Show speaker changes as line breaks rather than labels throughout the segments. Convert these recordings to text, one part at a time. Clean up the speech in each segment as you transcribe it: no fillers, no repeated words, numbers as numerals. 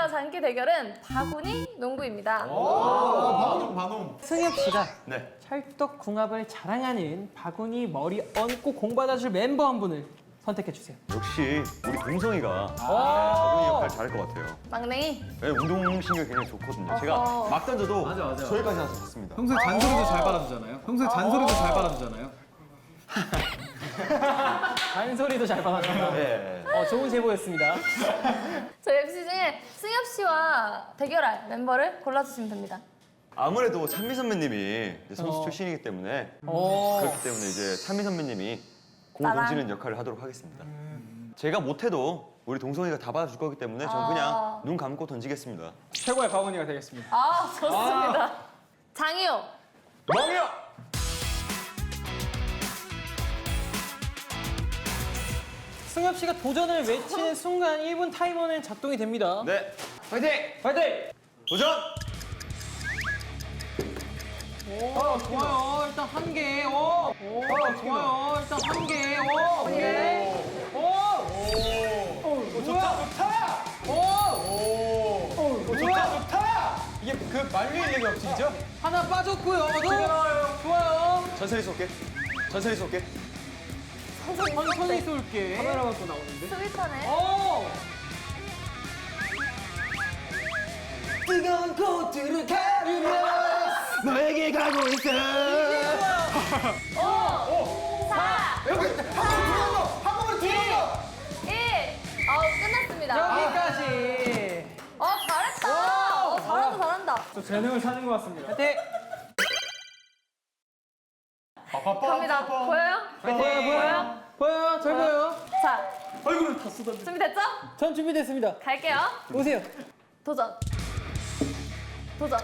번째와 장기 대결은 바구니 농구입니다.
반홍.
승엽 씨가
네.
찰떡궁합을 자랑하는 바구니 머리 얹고 공 받아줄 멤버 한 분을 선택해 주세요.
역시 우리 동성이가 바구니 역할 잘할 것 같아요.
막냉이.
네, 운동신경 굉장히 좋거든요. 제가
어허.
막 던져도 저기까지 나서 좋습니다.
평소에 잔소리도 잘 받아주잖아요. 평소에 잔소리도 잘 받아주잖아요.
잔소리도 잘 받아준다.
네.
좋은 제보였습니다.
저희 MC 중에 승엽 씨와 대결할 멤버를 골라주시면 됩니다.
아무래도 찬미 선배님이 이제 선수 출신이기 때문에 그렇기 때문에 이제 찬미 선배님이 공
나랑.
던지는 역할을 하도록 하겠습니다. 제가 못해도 우리 동성이가 다 받아줄 거기 때문에 전 그냥 눈 감고 던지겠습니다.
최고의 바구니가 되겠습니다.
아, 좋습니다. 장이호.
멍이요!
승엽 씨가 도전을 외치는 순간 1분 타이머는 작동이 됩니다.
네,
파이팅! 파이팅!
도전!
좋아요. 일단 한 개. 좋아요. 일단 한 개. 한 개.
좋다. 좋다. 이게 그 만류의 일이 없지죠?
하나 빠졌고요. 좋아요.
천천히 쏠게. 천천히 쏠게.
천천히 쏠게. 카메라가 또 나오는데.
스윗하네.
뜨거운 코트를 가르며 너에게 가고 있어.
5, 4,
여기 한 번으로 들어가.
1. 끝났습니다.
여기까지.
잘했다. 잘한다.
또 재능을 찾은 것 같습니다. 파이팅!
갑니다. 보여요? 보여요?
보여요? 잘 보여요?
자,
얼굴을 다 쏟아.
준비됐죠?
전 준비됐습니다.
갈게요.
오세요.
도전. 도전.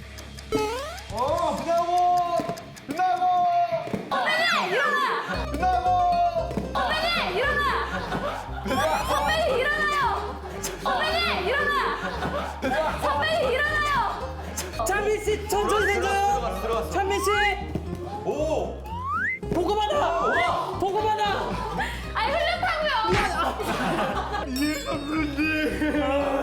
끝나고.
선배님, 일어나!
끝나고.
선배님, 일어나! 선배님, 일어나요! 선배님, 일어나! 선배님, 일어나요!
찬민 씨 천천히 던져요.
들어갔어.
찬민 씨
오!
보고 받아. 보고 받아.
아니, 흘렸다고요!